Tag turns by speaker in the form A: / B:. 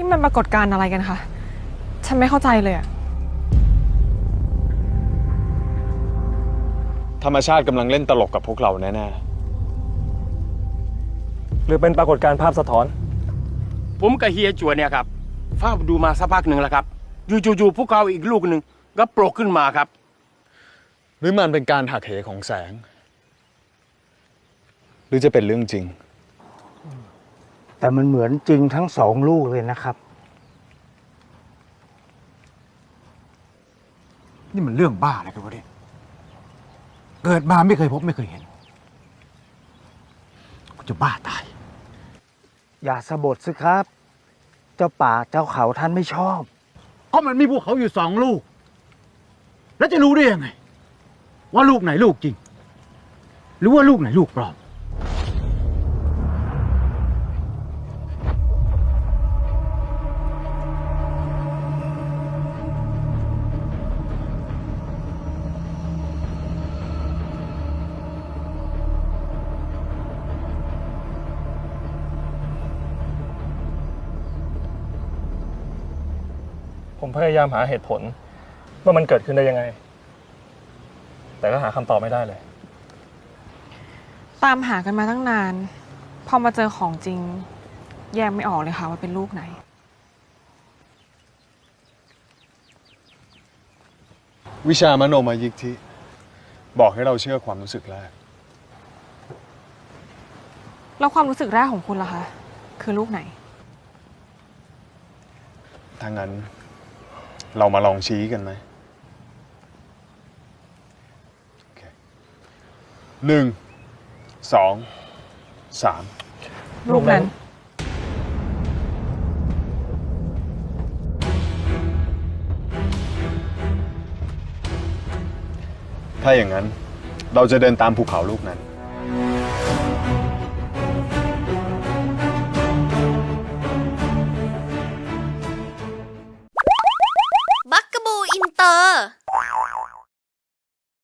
A: มันปรากฏการณ์อะไรกันคะฉันไม่เข้าใจเลยอะ
B: ธรรมชาติกำลังเล่นตลกกับพวกเราแน่
C: หรือเป็นปรากฏการณ์ภาพสะท้อน
D: ผมกับเฮียจัวเนี่ยครับเฝ้าดูมาสักพักหนึ่งแล้วครับอยู่ๆพวกเขาอีกลูกหนึ่งก็โผล่ขึ้นมาครับ
B: ๆหรือมันเป็นการหักเหของแสง หรือจะเป็นเรื่องจริง
E: แต่มันเหมือนจริงทั้งสองลูกเลยนะครับ
F: นี่มันเรื่องบ้าอะไรกันวะเนี่ยเกิดมาไม่เคยพบไม่เคยเห็นกูจะบ้าตาย
E: อย่าสะบดสิครับ เจ้าป่าเจ้าเขาท่านไม่ชอบ
F: เพราะมันมีภูเขาอยู่สองลูก แล้วจะรู้ได้ยังไง ว่าลูกไหนลูกจริง หรือว่าลูกไหนลูกปลอม
C: ผมพยายามหาเหตุผลว่ามันเกิดขึ้นได้ยังไง แต่ก็หาคำตอบไม่ได้เลย
A: ตามหากันมาตั้งนาน พอมาเจอของจริง แยกไม่ออกเลยค่ะว่าเป็นลูกไหน
B: วิชามโนมยิทธิบอกให้เราเชื่อความรู้สึกแรก
A: แล้วความรู้สึกแรกของคุณล่ะคะ คือลูกไหน
B: ถ้างั้น เรามาลองชี้กันไหมโอเค1 2 3
A: ลูกนั้น
B: ถ้าอย่างนั้น เราจะเดินตามภูเขาลูกนั้น